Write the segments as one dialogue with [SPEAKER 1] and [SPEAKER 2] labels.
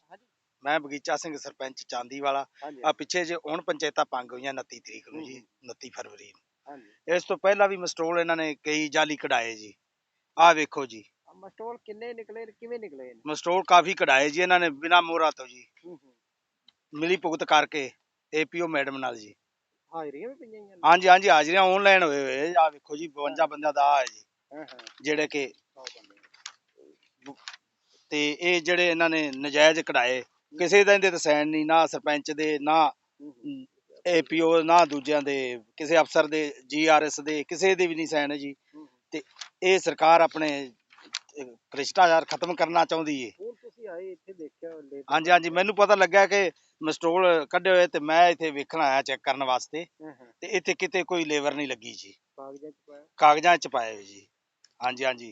[SPEAKER 1] ਮੈਂ ਬਗੀਚਾ ਸਿੰਘ ਸਰਪੰਚ ਚਾਂਦੀ ਵਾਲਾ। ਆ ਪਿੱਛੇ ਜੇ ਹੁਣ ਪੰਚਾਇਤਾਂ ਭੰਗ ਹੋਈਆਂ 29 ਤਰੀਕ ਨੂੰ ਜੀ, 29 ਫਰਵਰੀ ਨੂੰ। ਇਸ ਤੋਂ ਪਹਿਲਾਂ ਵੀ ਮਸਟੋਲ ਇਹਨਾਂ ਨੇ ਕਈ ਜਾਲੀ ਕਢਾਏ ਜੀ। ਆਹ ਵੇਖੋ ਜੀ,
[SPEAKER 2] ਮਸਟੋਲ ਕਿੰਨੇ ਨਿਕਲੇ, ਕਿਵੇਂ ਨਿਕਲੇ?
[SPEAKER 1] ਮਸਟੋਲ ਕਾਫੀ ਕਢਾਏ ਜੀ ਇਹਨਾਂ ਨੇ ਬਿਨਾਂ ਮੋਹਰਾਂ ਤੋਂ ਜੀ, ਮਿਲੀ ਭੁਗਤ ਕਰਕੇ ਏਪੀਓ ਮੈਡਮ ਨਾਲ ਜੀ।
[SPEAKER 2] ਹਾਜ਼ਰੀਆਂ ਵੀ ਪਈਆਂ?
[SPEAKER 1] ਹਾਂਜੀ ਹਾਂਜੀ, ਹਾਜ਼ਰੀਆਂ ਆਨਲਾਈਨ ਹੋਏ ਹੋਏ। ਆਹ ਵੇਖੋ ਜੀ 52 ਬੰਦਿਆਂ ਦਾ ਆ ਹੈ ਜੀ, ਜਿਹੜੇ ਕਿ ਤੇ ਇਹ ਜਿਹੜੇ ਇਹਨਾਂ ਨੇ ਨਜਾਇਜ਼ ਕਢਾਏ, ਕਿਸੇ ਦਾ ਇਹਦੇ ਤੇ ਸਾਈਨ ਨਹੀਂ, ਨਾ ਸਰਪੰਚ ਦੇ, ਨਾ ਏਪੀਓ, ਨਾ ਦੂਜਿਆਂ ਦੇ, ਕਿਸੇ ਅਫਸਰ ਦੇ, GRS ਦੇ, ਕਿਸੇ ਦੇ ਵੀ ਨਹੀਂ ਸਾਈਨ ਜੀ। ਤੇ ਇਹ ਸਰਕਾਰ ਆਪਣੇ ਭ੍ਰਿਸ਼ਟਾਚਾਰ ਖਤਮ ਕਰਨਾ ਚਾਹੁੰਦੀ ਏ। ਹਾਂਜੀ ਹਾਂਜੀ, ਮੈਨੂੰ ਪਤਾ ਲੱਗਾ ਕਿ ਮਸਟੋਲ ਕੱਢੇ ਹੋਏ ਤੇ ਮੈਂ ਇੱਥੇ ਵੇਖਣ ਆਇਆ ਚੈੱਕ ਕਰਨ ਵਾਸਤੇ, ਤੇ ਇੱਥੇ ਕਿਤੇ ਕੋਈ ਲੇਬਰ ਨਹੀਂ ਲੱਗੀ ਜੀ, ਕਾਗਜ਼ਾਂ ਚ ਪਾਏ ਹੋਏ ਜੀ। ਹਾਂਜੀ ਹਾਂਜੀ,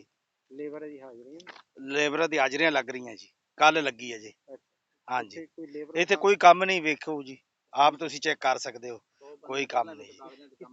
[SPEAKER 1] ਲੇਬਰ ਦੀ ਹਾਜ਼ਰੀਆਂ ਲੱਗ ਰਹੀਆਂ ਜੀ, ਕੱਲ ਲੱਗੀ ਹੈ ਜੀ। ਹਾਂਜੀ, ਇੱਥੇ ਕੋਈ ਕੰਮ ਨਹੀਂ, ਵੇਖੋ ਜੀ ਆਪ ਤੁਸੀਂ ਚੈੱਕ ਕਰ ਸਕਦੇ ਹੋ, ਕੋਈ ਕੰਮ ਨਹੀਂ ਜੀ।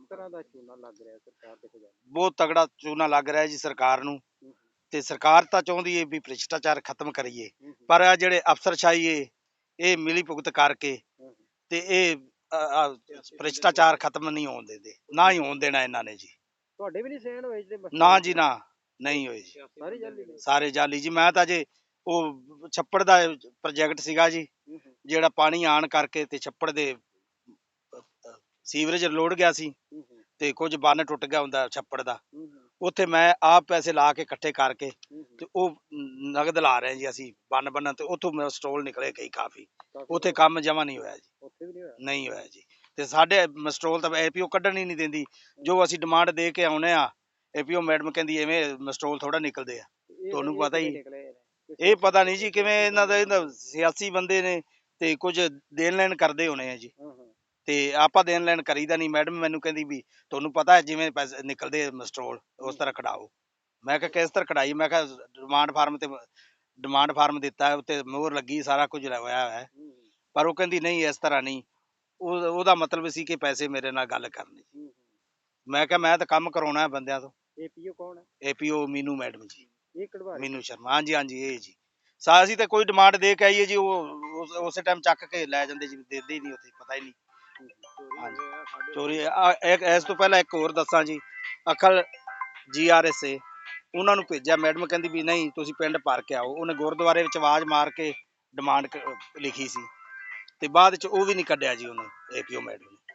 [SPEAKER 1] ਬਹੁਤ ਤਗੜਾ ਚੂਨਾ ਲੱਗ ਰਿਹਾ ਜੀ ਸਰਕਾਰ ਨੂੰ, ਤੇ ਸਰਕਾਰ ਤਾਂ ਚਾਹੁੰਦੀ ਹੈ ਵੀ ਭ੍ਰਿਸ਼ਟਾਚਾਰ ਖਤਮ ਕਰੀਏ, ਪਰ ਆ ਜਿਹੜੇ ਅਫਸਰਸ਼ਾਹੀ ਏ, ਇਹ ਮਿਲੀ ਭੁਗਤ ਕਰਕੇ ਤੇ ਇਹ ਭ੍ਰਿਸ਼ਟਾਚਾਰ ਖਤਮ ਨਹੀਂ ਹੋਣ ਦਿੰਦੇ, ਨਾ ਹੀ ਹੋਣ ਦੇਣਾ ਇਹਨਾਂ ਨੇ ਜੀ।
[SPEAKER 2] ਤੁਹਾਡੇ ਵੀ ਨਹੀਂ ਸਾਈਨ ਹੋਏ?
[SPEAKER 1] ਨਾ ਜੀ ਨਾ, ਨਹੀਂ ਹੋਏ ਜੀ, ਸਾਰੇ ਜਾਲੀ ਜੀ। ਮੈਂ ਤਾਂ ਜੇ ਉਹ ਛੱਪੜ ਦਾ ਪ੍ਰੋਜੈਕਟ ਸੀਗਾ ਜੀ, ਜਿਹੜਾ ਪਾਣੀ ਆਣ ਕਰਕੇ ਤੇ ਛੱਪੜ ਦੇ ਸੀਵਰੇਜ ਲੋੜ ਗਿਆ ਸੀ, ਤੇ ਕੁਝ ਬੰਨ ਟੁੱਟ ਗਿਆ ਹੁੰਦਾ ਛੱਪੜ ਦਾ, ਉੱਥੇ ਮੈਂ ਆਪ ਪੈਸੇ ਲਾ ਕੇ ਇਕੱਠੇ ਕਰਕੇ ਤੇ ਉਹ ਨਗਦ ਲਾ ਰਹੇ ਜੀ ਅਸੀਂ ਬੰਨ ਬੰਨਣ, ਤੇ ਉੱਥੋਂ ਮਸਟੋਲ ਨਿਕਲੇ ਕਈ ਕਾਫੀ। ਉੱਥੇ ਕੰਮ ਜਮਾ ਨਹੀਂ ਹੋਇਆ ਜੀ, ਨਹੀਂ ਹੋਇਆ ਜੀ। ਤੇ ਸਾਡੇ ਮਸਟੋਲ ਤਾਂ ਏਪੀਓ ਕੱਢਣ ਹੀ ਨਹੀਂ ਦਿੰਦੀ, ਜੋ ਅਸੀਂ ਡਿਮਾਂਡ ਦੇ ਕੇ ਆਉਨੇ ਆ, ਏਪੀਓ ਮੈਡਮ ਕਹਿੰਦੀ ਐਵੇਂ ਮਸਟੋਲ ਥੋੜਾ ਨਿਕਲਦੇ ਆ, ਤੁਹਾਨੂੰ ਪਤਾ ਹੀ। ਇਹ ਪਤਾ ਨਹੀਂ ਜੀ ਕਿਵੇਂ ਇਹਨਾਂ ਦਾ ਸਿਆਸੀ ਬੰਦੇ ਨੇ ਤੇ ਕੁਝ ਦੇਣ ਲੈਣ ਕਰਦੇ ਹੋਣੇ ਆ ਜੀ, ਤੇ ਆਪਾਂ ਦੇਣ ਲੈਣ ਕਰੀਦਾ ਨਹੀਂ। ਮੈਡਮ ਮੈਨੂੰ ਕਹਿੰਦੀ ਵੀ ਤੁਹਾਨੂੰ ਪਤਾ ਹੈ ਜਿਵੇਂ ਪੈਸੇ ਨਿਕਲਦੇ ਮਸਟੋਲ ਉਸ ਤਰ੍ਹਾਂ ਕਢਾਓ। ਮੈਂ ਕਿਹਾ ਕਿਸ ਤਰ੍ਹਾਂ ਕਢਾਈ? ਮੈਂ ਕਿਹਾ ਡਿਮਾਂਡ ਫਾਰਮ ਦਿੱਤਾ ਹੈ, ਉੱਤੇ ਮੋਹਰ ਲੱਗੀ, ਸਾਰਾ ਕੁਝ ਹੋਇਆ ਹੈ, ਪਰ ਉਹ ਕਹਿੰਦੀ ਨਹੀਂ ਇਸ ਤਰ੍ਹਾਂ ਨਹੀਂ। ਉਹਦਾ ਮਤਲਬ ਸੀ ਕਿ ਪੈਸੇ ਮੇਰੇ ਨਾਲ ਗੱਲ ਕਰਨੀ। ਮੈਂ ਕਿਹਾ ਮੈਂ ਤਾਂ ਕੰਮ ਕਰਾਉਣਾ ਬੰਦਿਆਂ ਤੋਂ।
[SPEAKER 2] ਏਪੀਓ ਕੌਣ ਹੈ?
[SPEAKER 1] ਏਪੀਓ ਮੀਨੂ ਮੈਡਮ ਜੀ,
[SPEAKER 2] ਇਹ
[SPEAKER 1] ਮੀਨੂ ਸ਼ਰਮਾ। ਹਾਂਜੀ ਹਾਂਜੀ, ਇਹ ਜੀ। ਅਸੀਂ ਤਾਂ ਕੋਈ ਡਿਮਾਂਡ ਦੇ ਕੇ ਆਈਏ ਜੀ, ਉਹ ਉਸੇ ਟਾਈਮ ਚੱਕ ਕੇ ਲੈ ਜਾਂਦੇ ਜੀ, ਦਿੰਦੇ ਹੀ ਨਹੀਂ, ਉੱਥੇ ਪਤਾ ਹੀ ਨਹੀਂ। ਹਾਂਜੀ, ਚੋਰੀ। ਇਸ ਤੋਂ ਪਹਿਲਾਂ ਇੱਕ ਹੋਰ ਦੱਸਾਂ ਜੀ, ਅਖਲ GRS ਏ, ਉਹਨਾਂ ਨੂੰ ਭੇਜਿਆ, ਮੈਡਮ ਕਹਿੰਦੀ ਵੀ ਨਹੀਂ ਤੁਸੀਂ ਪਿੰਡ ਭਰ ਕੇ ਆਓ। ਉਹਨੇ ਗੁਰਦੁਆਰੇ ਵਿੱਚ ਆਵਾਜ਼ ਮਾਰ ਕੇ ਡਿਮਾਂਡ ਲਿਖੀ ਸੀ, ਤੇ ਬਾਅਦ ਚ ਉਹ ਵੀ ਨਹੀਂ ਕੱਢਿਆ ਜੀ ਉਹਨੂੰ, ਏਪੀਓ ਮੈਡਮ ਨੇ।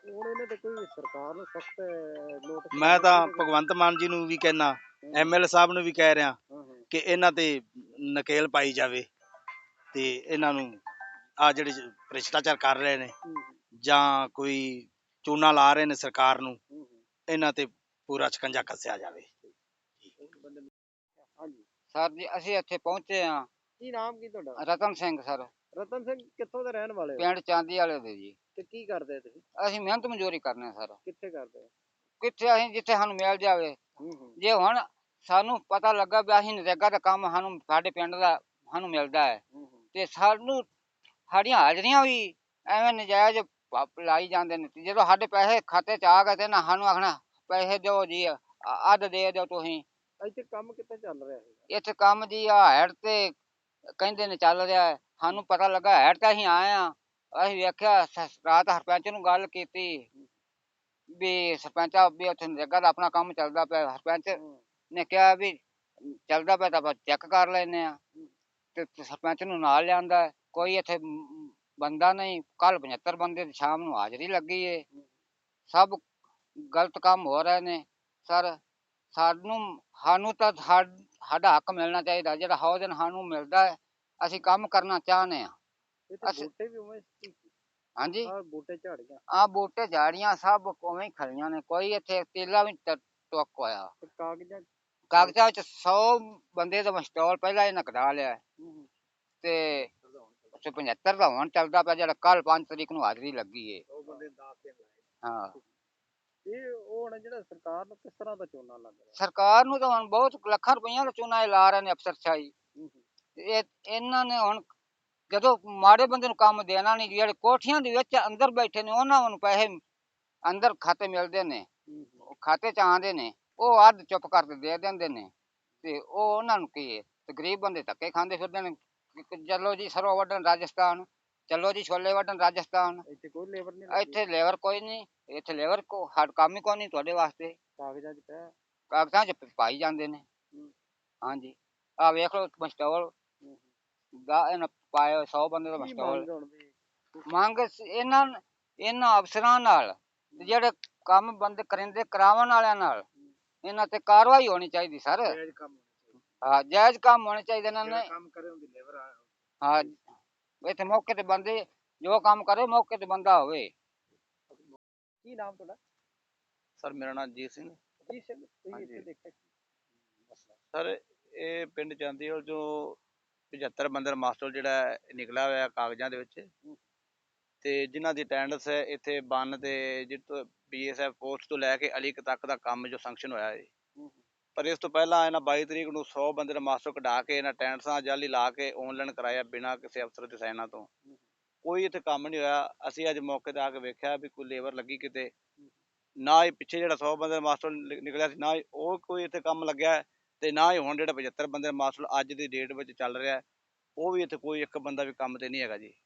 [SPEAKER 1] ਮੈਂ ਤਾਂ ਭਗਵੰਤ ਮਾਨ ਜੀ ਨੂੰ ਵੀ ਕਹਿਣਾ, ML ਸਾਹਿਬ ਨੂੰ ਵੀ ਕਹਿ ਰਿਹਾ ਕਿ ਇਹਨਾਂ ਤੇ ਨਕੇਲ ਪਾਈ ਜਾਵੇ, ਤੇ ਇਹਨਾਂ ਨੂੰ ਆ ਜਿਹੜੇ ਭ੍ਰਿਸ਼ਟਾਚਾਰ ਕਰ ਰਹੇ ਨੇ ਜਾਂ ਕੋਈ ਚੂਨਾ ਲਾ ਰਹੇ ਨੇ ਸਰਕਾਰ ਨੂੰ, ਇਹਨਾਂ ਤੇ ਪੂਰਾ ਸ਼ਿਕੰਜਾ ਕੱਸਿਆ ਜਾਵੇ।
[SPEAKER 3] ਸਰ ਜੀ ਅਸੀਂ ਇੱਥੇ ਪਹੁੰਚੇ ਹਾਂ।
[SPEAKER 2] ਕੀ ਨਾਮ ਕੀ ਤੁਹਾਡਾ?
[SPEAKER 3] ਰਤਨ ਸਿੰਘ ਸਰ।
[SPEAKER 2] ਰਤਨ ਸਿੰਘ ਕਿੱਥੋਂ ਦੇ ਰਹਿਣ ਵਾਲੇ ਹੋ?
[SPEAKER 3] ਪਿੰਡ ਚਾਂਦੀ ਵਾਲੇ ਦੇ ਜੀ।
[SPEAKER 2] ਤੇ ਕੀ ਕਰਦੇ ਤੁਸੀਂ?
[SPEAKER 3] ਅਸੀਂ ਮਿਹਨਤ ਮਜ਼ਦੂਰੀ ਕਰਨੇ ਸਰ।
[SPEAKER 2] ਕਿੱਥੇ ਕਰਦੇ?
[SPEAKER 3] ਕਿੱਥੇ? ਅਸੀਂ ਜਿੱਥੇ ਸਾਨੂੰ ਮਿਲ ਜਾਵੇ। ਜੇ ਹੁਣ ਸਾਨੂੰ ਪਤਾ ਲੱਗਾ ਵੀ ਅਸੀਂ ਨਰੇਗਾ ਦਾ ਕੰਮ ਸਾਨੂੰ ਸਾਡੇ ਪਿੰਡ ਦਾ ਸਾਨੂੰ ਮਿਲਦਾ ਹੈ, ਤੇ ਸਾਨੂੰ ਸਾਡੀਆਂ ਹਾਜ਼ਰੀਆਂ ਵੀ ਐਵੇਂ ਨਜਾਇਜ਼ ਲਾਈ ਜਾਂਦੇ ਨੇ। ਜਦੋਂ ਸਾਡੇ ਪੈਸੇ ਖਾਤੇ 'ਚ ਆ ਗਏ ਤੇ ਨਾ ਸਾਨੂੰ ਆਖਣਾ ਪੈਸੇ ਦਿਓ ਜੀ, ਅੱਧ ਦੇ ਦਿਓ ਤੁਸੀਂ।
[SPEAKER 2] ਇੱਥੇ ਕੰਮ ਕਿੱਥੇ ਚੱਲ ਰਿਹਾ ਹੈ?
[SPEAKER 3] ਇੱਥੇ ਕੰਮ ਜੀ ਆ ਹੈਡ ਤੇ ਕਹਿੰਦੇ ਨੇ ਚੱਲ ਰਿਹਾ ਹੈ। ਸਾਨੂੰ ਪਤਾ ਲੱਗਾ ਹੈਡ ਤੇ ਅਸੀਂ ਆਏ ਹਾਂ, ਅਸੀਂ ਵੇਖਿਆ ਰਾਤ ਸਰਪੰਚ ਨੂੰ ਗੱਲ ਕੀਤੀ ਵੀ ਸਰਪੰਚ ਵੀ ਉੱਥੇ ਨਰੇਗਾ ਦਾ ਆਪਣਾ ਕੰਮ ਚੱਲਦਾ ਪਿਆ। ਸਰਪੰਚ ਨੇ ਕਿਹਾ ਵੀ ਚੱਲਦਾ ਪਿਆ ਤਾਂ ਆਪਾਂ ਚੈੱਕ ਕਰ ਲੈਂਦੇ ਹਾਂ, ਤੇ ਸਰਪੰਚ ਨੂੰ ਨਾਲ ਲਿਆਂਦਾ। ਕੋਈ ਇੱਥੇ ਬੰਦਾ ਨਹੀਂ। ਕੱਲ 75 ਬੰਦੇ ਦੀ ਸ਼ਾਮ ਨੂੰ ਹਾਜ਼ਰੀ ਲੱਗੀ ਏ। ਸਭ ਗਲਤ ਕੰਮ ਹੋ ਰਹੇ ਨੇ ਸਰ। ਸਾਨੂੰ ਤਾਂ ਸਾਡਾ ਹੱਕ ਮਿਲਣਾ ਚਾਹੀਦਾ, ਜਿਹੜਾ ਹਰ ਦਿਨ ਸਾਨੂੰ ਮਿਲਦਾ ਹੈ। ਅਸੀਂ ਕੰਮ ਕਰਨਾ ਚਾਹੁੰਦੇ ਹਾਂ। ਹਾਂਜੀ, ਆਹ ਬੂਟੇ ਝਾੜੀਆਂ ਸਭ ਉਵੇਂ ਹੀ ਖੜੀਆਂ ਨੇ, ਕੋਈ ਇੱਥੇ ਤੇਲਾ ਵੀ ਟੁੱਕ ਹੋਇਆ। ਕਾਗਜ਼ਾਂ ਵਿੱਚ 100 ਬੰਦੇ ਦਾ ਮਸਟੋਲ ਪਹਿਲਾਂ ਇਹਨਾਂ ਕਢਾ ਲਿਆ, ਤੇ 75 ਦਾ ਹੁਣ ਚੱਲਦਾ ਪਿਆ, ਜਿਹੜਾ ਕੱਲ 5 ਤਰੀਕ ਨੂੰ ਹਾਜ਼ਰੀ ਲੱਗੀ ਏ। ਹਾਂ, ਸਰਕਾਰ ਨੂੰ ਤਾਂ ਹੁਣ ਬਹੁਤ ਲੱਖਾਂ ਰੁਪਈਆ ਦਾ ਚੂਨਾ ਲਾ ਰਹੇ ਨੇ ਅਫਸਰਸ਼ਾਹੀ। ਇਹਨਾਂ ਨੇ ਹੁਣ ਜਦੋਂ ਮਾੜੇ ਬੰਦੇ ਨੂੰ ਕੰਮ ਦੇਣਾ ਨਹੀਂ, ਜਿਹੜੇ ਕੋਠੀਆਂ ਦੇ ਵਿੱਚ ਅੰਦਰ ਬੈਠੇ ਨੇ ਉਹਨਾਂ ਨੂੰ ਪੈਸੇ ਅੰਦਰ ਖਾਤੇ ਮਿਲਦੇ ਨੇ, ਖਾਤੇ 'ਚ ਆਉਂਦੇ ਨੇ, ਉਹ ਅੱਧ ਚੁੱਪ ਕਰਕੇ ਦੇ ਦਿੰਦੇ ਨੇ, ਤੇ ਉਹ ਉਹਨਾਂ ਨੂੰ ਕੀ ਹੈ, ਤੇ ਗਰੀਬ ਬੰਦੇ ਧੱਕੇ ਖਾਂਦੇ ਫਿਰਦੇ ਨੇ। ਚਲੋ ਜੀ ਸਰੋਂ ਵੱਢਣ ਰਾਜਸਥਾਨ, ਚਲੋ ਜੀ ਛੋਲੇ ਵੱਢਣ ਰਾਜਸਥਾਨ।
[SPEAKER 2] ਇੱਥੇ ਕੋਈ ਲੇਬਰ ਨਹੀਂ ਲੱਗੀ?
[SPEAKER 3] ਇੱਥੇ ਲੇਬਰ ਕੋਈ ਨਹੀਂ, ਇੱਥੇ ਲੇਬਰ ਕੋ ਹਰ ਕੰਮ ਹੀ ਕੋਈ ਨਹੀਂ ਤੁਹਾਡੇ ਵਾਸਤੇ।
[SPEAKER 2] ਕਾਗਜ਼ਾਂ 'ਚ ਪਿਆ?
[SPEAKER 3] ਕਾਗਜ਼ਾਂ 'ਚ ਪਾਈ ਜਾਂਦੇ ਨੇ। ਹਾਂਜੀ ਆਹ ਵੇਖ ਲਓ ਮਸਟੋਲ ਇਹਨਾਂ ਪਾਏ 100 ਬੰਦੇ ਦਾ
[SPEAKER 2] ਕੀ
[SPEAKER 3] ਮਸਟੋਲ।
[SPEAKER 2] ਮੰਗ ਹੁਣ ਵੀ?
[SPEAKER 3] ਮੰਗ ਇਹਨਾਂ ਅਫਸਰਾਂ ਨਾਲ ਤੇ ਜਿਹੜੇ ਕੰਮ ਬੰਦ ਕਰਿੰਦੇ ਕਰਾਉਣ ਵਾਲਿਆਂ ਨਾਲ ਇਹਨਾਂ ਤੇ ਕਾਰਵਾਈ ਹੋਣੀ ਚਾਹੀਦੀ ਸਰ।
[SPEAKER 1] ਜਾਇਜ਼ ਕੰਮ
[SPEAKER 3] ਹਾਂ ਜਾਇਜ਼ ਕੰਮ ਹੋਣੇ ਚਾਹੀਦੇ ਇਹਨਾਂ ਨੇ।
[SPEAKER 1] ਕੰਮ ਕਰੇ ਹੁੰਦੀ ਲੇਬਰ ਆ।
[SPEAKER 3] ਹਾਂ ਇੱਥੇ ਮੌਕੇ ਤੇ ਬੰਦੇ ਜੋ ਕੰਮ ਕਰੇ ਮੌਕੇ ਤੇ ਬੰਦਾ ਹੋਵੇ।
[SPEAKER 2] ਕੀ ਨਾਮ ਤੁਹਾਡਾ?
[SPEAKER 1] ਸਰ ਮੇਰਾ ਨਾਮ ਜੀਤ ਸਿੰਘ।
[SPEAKER 2] ਜੀ ਸਿੰਘ, ਤੁਸੀਂ ਇੱਥੇ ਦੇਖਿਆ ਕੀ ਮਸਲਾ?
[SPEAKER 1] ਸਰ ਇਹ ਪਿੰਡ ਚਾਂਦੀਵਾਲ ਜੋ 75 ਬੰਦਰ ਮਾਸਟਰ ਜਿਹੜਾ ਨਿਕਲਿਆ ਹੋਇਆ ਕਾਗਜ਼ਾਂ ਦੇ ਵਿੱਚ ਤੇ ਜਿਨ੍ਹਾਂ ਦੀ ਅਟੈਂਡੈਂਸ ਹੈ ਇੱਥੇ ਬੰਨ ਤੇ ਜਿੱਥੋਂ BSF ਪੋਸਟ ਤੋਂ ਲੈ ਕੇ ਅਲੀਕ ਤੱਕ ਦਾ ਕੰਮ ਜੋ ਸੈਂਕਸ਼ਨ ਹੋਇਆ ਹੈ। ਪਰ ਇਸ ਤੋਂ ਪਹਿਲਾਂ ਇਹਨਾਂ 22 ਤਰੀਕ ਨੂੰ 100 ਬੰਦੇ ਦਾ ਮਾਸਟਰ ਕਢਾ ਕੇ ਇਹਨਾਂ ਅਟੈਂਡੈਂਸਾਂ ਜਾਲੀ ਲਾ ਕੇ ਆਨਲਾਈਨ ਕਰਾਇਆ ਬਿਨਾਂ ਕਿਸੇ ਅਫਸਰ ਦੇ ਸਾਈਨਾਂ ਤੋਂ। ਕੋਈ ਇੱਥੇ ਕੰਮ ਨਹੀਂ ਹੋਇਆ। ਅਸੀਂ ਅੱਜ ਮੌਕੇ ਤੇ ਆ ਕੇ ਵੇਖਿਆ ਵੀ ਕੋਈ ਲੇਬਰ ਲੱਗੀ ਕਿਤੇ ਨਾ ਹੀ ਪਿੱਛੇ ਜਿਹੜਾ 100 ਬੰਦੇ ਦਾ ਮਾਸਟਰ ਨਿਕਲਿਆ ਸੀ ਨਾ ਹੀ ਉਹ ਕੋਈ ਇੱਥੇ ਕੰਮ ਲੱਗਿਆ ਤੇ ਨਾ ਹੀ ਹੁਣ ਜਿਹੜਾ 75 ਬੰਦੇ ਦਾ ਮਾਸਟਰ ਅੱਜ ਦੀ ਡੇਟ ਵਿੱਚ ਚੱਲ ਰਿਹਾ ਉਹ ਵੀ ਇੱਥੇ ਕੋਈ ਇੱਕ ਬੰਦਾ ਵੀ ਕੰਮ ਤੇ ਨਹੀਂ ਹੈਗਾ ਜੀ।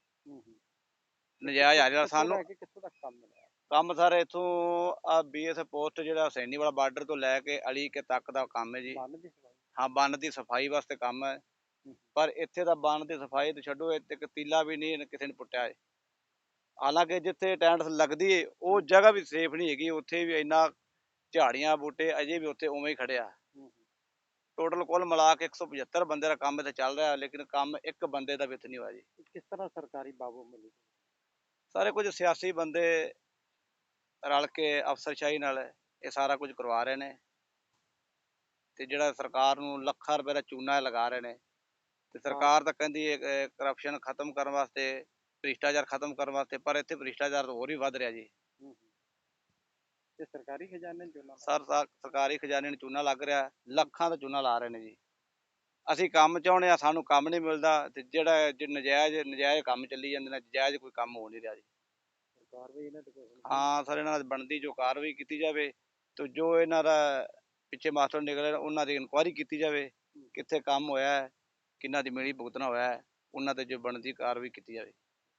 [SPEAKER 1] ਨਜਾਇਜ਼ ਆ ਰਿਹਾ ਸਾਨੂੰ
[SPEAKER 2] ਕਿੱਥੋਂ ਤੱਕ ਕੰਮ ਮਿਲਿਆ?
[SPEAKER 1] ਕੰਮ ਸਰ ਇੱਥੋਂ ਆ BSF ਪੋਸਟ ਜਿਹੜਾ ਹੁਸੈਨੀ ਵਾਲਾ ਬਾਰਡਰ ਤੋਂ ਲੈ ਕੇ ਅਲੀ ਕੇ ਤੱਕ ਦਾ ਕੰਮ ਹੈ ਜੀ।
[SPEAKER 2] ਬੰਨ ਦੀ ਸਫਾਈ?
[SPEAKER 1] ਹਾਂ ਬੰਨ ਦੀ ਸਫਾਈ ਵਾਸਤੇ ਕੰਮ ਹੈ। ਪਰ ਇੱਥੇ ਦਾ ਬੰਨ ਦੀ ਸਫਾਈ ਤੇ ਛੱਡੋ ਇੱਥੇ ਇੱਕ ਤੀਲਾ ਵੀ ਨਹੀਂ ਕਿਸੇ ਨੇ ਪੁੱਟਿਆ ਹੈ। ਹਾਲਾਂਕਿ ਜਿੱਥੇ ਅਟੈਂਡੈਂਸ ਲੱਗਦੀ ਹੈ ਉਹ ਜਗ੍ਹਾ ਵੀ ਸੇਫ ਨਹੀਂ ਹੈਗੀ। ਉੱਥੇ ਵੀ ਇੰਨਾ ਝਾੜੀਆਂ ਬੂਟੇ ਅਜੇ ਵੀ ਉੱਥੇ ਉਵੇਂ ਹੀ ਖੜਿਆ। ਟੋਟਲ ਕੁੱਲ ਮਿਲਾ ਕੇ 175 ਬੰਦੇ ਦਾ ਕੰਮ ਇੱਥੇ ਚੱਲ ਰਿਹਾ ਲੇਕਿਨ ਕੰਮ ਇੱਕ ਬੰਦੇ ਦਾ ਵੀ ਇੱਥੇ ਨਹੀਂ ਹੋਇਆ ਜੀ।
[SPEAKER 2] ਕਿਸ ਤਰ੍ਹਾਂ ਸਰਕਾਰੀ ਬਾਬੂ ਮਿਲੀ?
[SPEAKER 1] ਸਾਰੇ ਕੁਝ ਸਿਆਸੀ ਬੰਦੇ ਰਲ ਕੇ ਅਫਸਰਸ਼ਾਹੀ ਨਾਲ ਇਹ ਸਾਰਾ ਕੁਝ ਕਰਵਾ ਰਹੇ ਨੇ ਤੇ ਜਿਹੜਾ ਸਰਕਾਰ ਨੂੰ ਲੱਖਾਂ ਰੁਪਏ ਦਾ ਚੂਨਾ ਲਗਾ ਰਹੇ ਨੇ ਤੇ ਸਰਕਾਰ ਤਾਂ ਕਹਿੰਦੀ ਹੈ ਕਰਪਸ਼ਨ ਖਤਮ ਕਰਨ ਵਾਸਤੇ ਭ੍ਰਿਸ਼ਟਾਚਾਰ ਖਤਮ ਕਰਨ ਵਾਸਤੇ ਪਰ ਇੱਥੇ ਭ੍ਰਿਸ਼ਟਾਚਾਰ ਹੋਰ ਵੀ ਵੱਧ ਰਿਹਾ ਜੀ।
[SPEAKER 2] ਤੇ ਸਰਕਾਰੀ ਖਜ਼ਾਨੇ ਚੋਂ
[SPEAKER 1] ਸਰ ਸਰਕਾਰੀ ਖਜ਼ਾਨੇ ਨੂੰ ਚੂਨਾ ਲੱਗ ਰਿਹਾ ਲੱਖਾਂ ਦਾ ਚੂਨਾ ਲਾ ਰਹੇ ਨੇ ਜੀ। ਅਸੀਂ ਕੰਮ ਚਾਹੁੰਦੇ ਹਾਂ ਸਾਨੂੰ ਕੰਮ ਨਹੀਂ ਮਿਲਦਾ ਤੇ ਜਿਹੜਾ ਨਜਾਇਜ਼ ਕੰਮ ਚੱਲੀ ਜਾਂਦੇ ਨੇ ਜਾਇਜ਼ ਕੋਈ ਕੰਮ ਹੋ ਨਹੀਂ ਰਿਹਾ ਜੀ।
[SPEAKER 2] ਕਾਰਵਾਈ ਇਹਨਾਂ ਤੇ ਕੋਈ?
[SPEAKER 1] ਹਾਂ ਸਰ ਇਹਨਾਂ ਦੀ ਬਣਦੀ ਜੋ ਕਾਰਵਾਈ ਕੀਤੀ ਜਾਵੇ ਤੇ ਜੋ ਇਹਨਾਂ ਦਾ ਪਿੱਛੇ ਮਾਸਟਰ ਨਿਕਲੇ ਉਹਨਾਂ ਦੀ ਇਨਕੁਆਇਰੀ ਕੀਤੀ ਜਾਵੇ ਕਿੱਥੇ ਕੰਮ ਹੋਇਆ ਹੈ ਕਿਹਨਾਂ ਦੀ ਮਿਲੀ ਭੁਗਤਣਾ ਹੋਇਆ ਹੈ ਉਹਨਾਂ ਤੇ ਜੋ ਬਣਦੀ ਕਾਰਵਾਈ ਕੀਤੀ ਜਾਵੇ।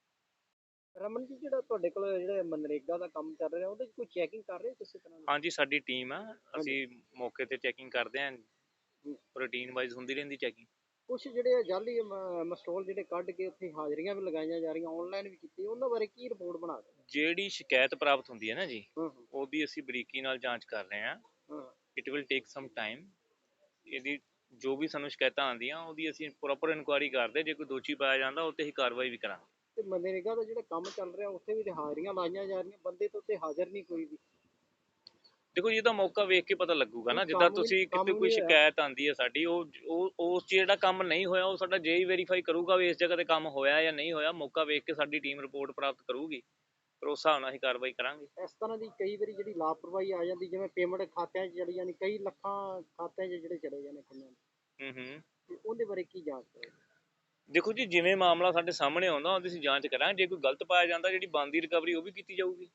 [SPEAKER 2] ਰਮਨ ਜੀ ਜਿਹੜਾ ਤੁਹਾਡੇ ਕੋਲ ਜਿਹੜਾ ਮਨਰੇਗਾ ਦਾ ਕੰਮ ਚੱਲ ਰਿਹਾ ਉਹਦੇ 'ਚ ਕੋਈ ਚੈਕਿੰਗ ਕਰ ਰਹੇ ਕਿਸੇ ਤਰ੍ਹਾਂ ਦੀ?
[SPEAKER 4] ਹਾਂਜੀ ਸਾਡੀ ਟੀਮ ਆ ਅਸੀਂ ਮੌਕੇ ਤੇ ਚੈਕਿੰਗ ਕਰਦੇ ਹਾਂ ਰੂਟੀਨ ਵਾਈਜ਼ ਹੁੰਦੀ ਰਹਿੰਦੀ ਚੈਕਿੰਗ।
[SPEAKER 2] ਕੁਛ ਜਿਹੜੇ ਜਾਲੀ ਮਸਟੋਲ ਜਿਹੜੇ ਕੱਢ ਕੇ ਉੱਥੇ ਹਾਜ਼ਰੀਆਂ ਵੀ ਲਗਾਈਆਂ ਜਾ ਰਹੀਆਂ ਆਨਲਾਈਨ ਵੀ ਕੀਤੀ ਉਹਨਾਂ ਬਾਰੇ ਕੀ ਰਿਪੋਰਟ ਬਣਾ ਰਹੇ?
[SPEAKER 4] ਜਿਹੜੀ ਸ਼ਿਕਾਇਤ ਪ੍ਰਾਪਤ ਹੁੰਦੀ ਹੈ ਨਾ ਜੀ ਉਹਦੀ ਅਸੀਂ ਬਰੀਕੀ ਨਾਲ ਜਾਂਚ ਕਰ ਰਹੇ ਹਾਂ। It will take some time. ਇਹਦੀ ਜੋ ਵੀ ਸਾਨੂੰ ਸ਼ਿਕਾਇਤਾਂ ਆਉਂਦੀਆਂ ਉਹਦੀ ਅਸੀਂ ਪ੍ਰੋਪਰ ਇਨਕੁਆਇਰੀ ਕਰਦੇ ਜੇ ਕੋਈ ਦੋਸ਼ੀ ਪਾਇਆ ਜਾਂਦਾ ਉਹ 'ਤੇ ਹੀ ਕਾਰਵਾਈ ਵੀ ਕਰਾਂਗੇ।
[SPEAKER 2] ਤੇ ਮਨਰੇਗਾ ਦਾ ਜਿਹੜਾ ਕੰਮ ਚੱਲ ਰਿਹਾ ਉੱਥੇ ਵੀ ਹਾਜ਼ਰੀਆਂ ਲਾਈਆਂ ਜਾ ਰਹੀਆਂ ਬੰਦੇ ਤਾਂ ਉੱਥੇ ਹਾਜ਼ਰ ਨਹੀਂ ਕੋਈ ਵੀ।
[SPEAKER 4] ਦੇਖੋ ਜੀ ਇਹਦਾ ਮੌਕਾ ਵੇਖ ਕੇ ਪਤਾ ਲੱਗੂਗਾ ਨਾ ਜਿੱਦਾਂ ਤੁਸੀਂ ਕਿਤੇ ਕੋਈ ਸ਼ਿਕਾਇਤ ਆਉਂਦੀ ਹੈ ਸਾਡੀ ਉਹ ਉਸ 'ਚ ਜਿਹੜਾ ਕੰਮ ਨਹੀਂ ਹੋਇਆ ਉਹ ਸਾਡਾ JE ਵੈਰੀਫਾਈ ਕਰੂਗਾ ਵੀ ਇਸ ਜਗ੍ਹਾ ਤੇ ਕੰਮ ਹੋਇਆ ਜਾਂ ਨਹੀਂ ਹੋਇਆ। ਮੌਕਾ ਵੇਖ ਕੇ ਸਾਡੀ ਟੀਮ ਰਿਪੋਰਟ ਪ੍ਰਾਪਤ ਕਰੂਗੀ ਫਿਰ ਉਸ ਹਿਸਾਬ ਨਾਲ ਅਸੀਂ ਕਾਰਵਾਈ ਕਰਾਂਗੇ।
[SPEAKER 2] ਇਸ ਤਰ੍ਹਾਂ ਦੀ ਕਈ ਵਾਰੀ ਜਿਹੜੀ ਲਾਪਰਵਾਹੀ ਆ ਜਾਂਦੀ ਜਿਵੇਂ ਪੇਮੈਂਟ ਖਾਤਿਆਂ 'ਚ ਚਲੀ ਜਾਂਦੀ ਕਈ ਲੱਖਾਂ ਖਾਤਿਆਂ 'ਚ ਜਿਹੜੇ ਚਲੇ ਜਾਂਦੇ ਕਿੰਨੇ ਤੇ ਉਹਦੇ ਬਾਰੇ ਕੀ ਜਾਂਚ ਕਰੋ?
[SPEAKER 4] ਦੇਖੋ ਜੀ ਜਿਵੇਂ ਮਾਮਲਾ ਸਾਡੇ ਸਾਹਮਣੇ ਆਉਂਦਾ ਉਹਦੀ ਅਸੀਂ ਜਾਂਚ ਕਰਾਂਗੇ। ਜੇ ਕੋਈ ਗਲਤ ਪਾਇਆ ਜਾਂਦਾ ਜਿਹੜੀ ਬਣਦੀ ਰਿਕਵਰੀ ਉਹ ਵੀ ਕੀਤੀ ਜਾਊਗੀ।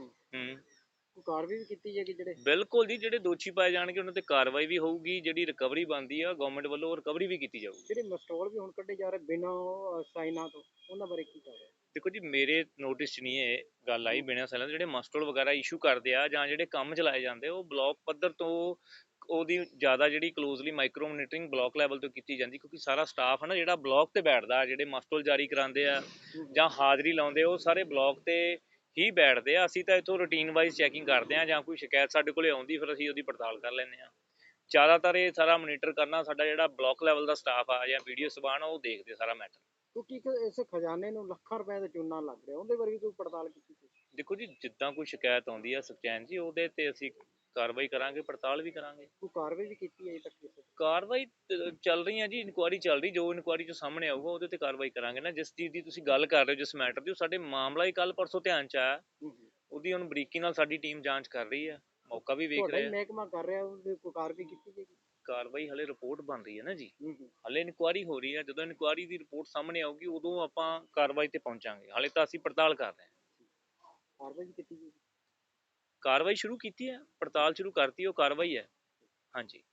[SPEAKER 2] ਕੋਈ ਕਾਰਵਾਈ ਵੀ ਕੀਤੀ ਜਾਏਗੀ ਜਿਹੜੇ?
[SPEAKER 4] ਬਿਲਕੁਲ ਜੀ ਜਿਹੜੇ ਦੋਸ਼ੀ ਪਾਏ ਜਾਣਗੇ ਉਹਨਾਂ ਤੇ ਕਾਰਵਾਈ ਵੀ ਹੋਊਗੀ। ਜਿਹੜੀ ਰਿਕਵਰੀ ਬਣਦੀ ਆ ਗਵਰਨਮੈਂਟ ਵੱਲੋਂ ਰਿਕਵਰੀ ਵੀ ਕੀਤੀ ਜਾਊਗੀ।
[SPEAKER 2] ਜਿਹੜੇ ਮਸਟੋਲ ਵੀ ਹੁਣ ਕੱਢੇ ਜਾ ਰਹੇ ਬਿਨਾਂ ਸਾਈਨਾਂ ਤੋਂ ਉਹਨਾਂ ਬਾਰੇ ਕੀ ਕਰ ਰਹੇ?
[SPEAKER 4] ਦੇਖੋ ਜੀ ਮੇਰੇ ਨੋਟਿਸ 'ਚ ਨਹੀਂ ਇਹ ਗੱਲ ਆਈ ਬਿਨਾਂ ਸਾਈਨਾਂ ਤੋਂ ਜਿਹੜੇ ਮਸਟੋਲ ਵਗੈਰਾ ਇਸ਼ੂ ਕਰਦੇ ਆ ਜਾਂ ਜਿਹੜੇ ਕੰਮ ਚਲਾਏ ਜਾਂਦੇ ਉਹ ਬਲਾਕ ਪੱਧਰ ਤੋਂ ਉਹਦੀ ਜ਼ਿਆਦਾ ਜਿਹੜੀ closely micro monitoring block level ਤੋਂ ਕੀਤੀ ਜਾਂਦੀ ਕਿਉਂਕਿ ਸਾਰਾ ਸਟਾਫ ਹੈ ਨਾ ਜਿਹੜਾ ਬਲਾਕ ਤੇ ਬੈਠਦਾ ਜਿਹੜੇ ਮਸਟੋਲ ਜਾਰੀ ਕਰਾਉਂਦੇ ਆ ਜਾਂ ਹਾਜ਼ਰੀ ਲਾਉਂਦੇ ਉਹ ਸਾਰੇ ਬਲਾਕ ਤੇ ਹੀ ਬੈਠਦੇ ਆ। ਅਸੀਂ ਤਾਂ ਇੱਥੋਂ ਰੂਟੀਨ ਵਾਈਜ਼ ਚੈਕਿੰਗ ਕਰਦੇ ਹਾਂ ਜਾਂ ਕੋਈ ਸ਼ਿਕਾਇਤ ਸਾਡੇ ਕੋਲ ਆਉਂਦੀ ਫਿਰ ਅਸੀਂ ਉਹਦੀ ਪੜਤਾਲ ਕਰ ਲੈਂਦੇ ਹਾਂ। ਜ਼ਿਆਦਾਤਰ ਇਹ ਸਾਰਾ ਮੋਨੀਟਰ ਕਰਨਾ ਸਾਡਾ ਜਿਹੜਾ ਬਲਾਕ ਲੈਵਲ ਦਾ ਸਟਾਫ ਆ ਜਾਂ ਵੀਡੀਓ ਸਬਾਨ ਉਹ ਦੇਖਦੇ ਸਾਰਾ ਮੈਟਰ।
[SPEAKER 2] ਕਿਉਂਕਿ ਇਸ ਖਜ਼ਾਨੇ ਨੂੰ ਲੱਖਾਂ ਰੁਪਏ ਦਾ ਚੂਨਾ ਲੱਗ ਰਿਹਾ ਉਹਦੇ ਬਾਰੇ ਵੀ ਕੋਈ ਪੜਤਾਲ ਕੀਤੀ?
[SPEAKER 4] ਦੇਖੋ ਜੀ ਜਿੱਦਾਂ ਕੋਈ ਸ਼ਿਕਾਇਤ ਆਉਂਦੀ ਆ ਸੁਖਚੈਨ ਜੀ ਉਹਦੇ ਤੇ ਅਸੀਂ ਕਾਰਵਾਈ ਕਰਾਂਗੇ ਪੜਤਾਲ ਵੀ ਕਰਾਂਗੇ।
[SPEAKER 2] ਕੋਈ ਕਾਰਵਾਈ ਵੀ ਕੀਤੀ ਹੈ ਅਜੇ ਤੱਕ ਕਿਸੇ?
[SPEAKER 4] ਕਾਰਵਾਈ ਚੱਲ ਰਹੀ ਹੈ ਜੀ ਇਨਕੁਆਇਰੀ ਚੱਲ ਰਹੀ ਜੋ ਇਨਕੁਆਇਰੀ 'ਚ ਸਾਹਮਣੇ ਆਊਗਾ ਉਹਦੇ ਤੇ ਕਾਰਵਾਈ ਕਰਾਂਗੇ ਨਾ। ਜਿਸ ਚੀਜ਼ ਦੀ ਤੁਸੀਂ ਗੱਲ ਕਰ ਰਹੇ ਹੋ ਜਿਸ ਮੈਟਰ ਦੀ ਉਹ ਸਾਡੇ ਮਾਮਲਾ ਹੀ ਕੱਲ ਪਰਸੋਂ ਧਿਆਨ 'ਚ ਆਇਆ ਉਹਦੀ ਹੁਣ ਬਰੀਕੀ ਨਾਲ ਸਾਡੀ ਟੀਮ ਜਾਂਚ ਕਰ ਰਹੀ ਹੈ ਮੌਕਾ ਵੀ ਵੇਖ ਰਹੇ
[SPEAKER 2] ਮਹਿਕਮਾ ਕਰ ਰਿਹਾ ਉਹਦੀ ਕੋਈ ਕਾਰਵਾਈ ਕੀਤੀ ਜਾਏਗੀ?
[SPEAKER 4] ਕਾਰਵਾਈ ਹਲੇ ਰਿਪੋਰਟ ਬਣ ਰਹੀ ਹੈ ਨਾ ਜੀ ਹਲੇ ਇਨਕੁਆਇਰੀ ਹੋ ਰਹੀ ਹੈ। ਜਦੋਂ ਇਨਕੁਆਇਰੀ ਦੀ ਰਿਪੋਰਟ ਸਾਹਮਣੇ ਆਊਗੀ ਉਦੋਂ ਆਪਾਂ ਕਾਰਵਾਈ ਤੇ ਪਹੁੰਚਾਂਗੇ। ਹਲੇ ਤਾਂ ਅਸੀਂ ਪੜਤਾਲ ਕਰ ਰਹੇ ਹਾਂ।
[SPEAKER 2] ਕਾਰਵਾਈ ਕੀਤੀ ਜਾਏਗੀ?
[SPEAKER 4] ਕਾਰਵਾਈ ਸ਼ੁਰੂ ਕੀਤੀ ਹੈ ਪੜਤਾਲ ਸ਼ੁਰੂ ਕਰਤੀ ਉਹ ਕਾਰਵਾਈ ਹੈ। ਹਾਂਜੀ।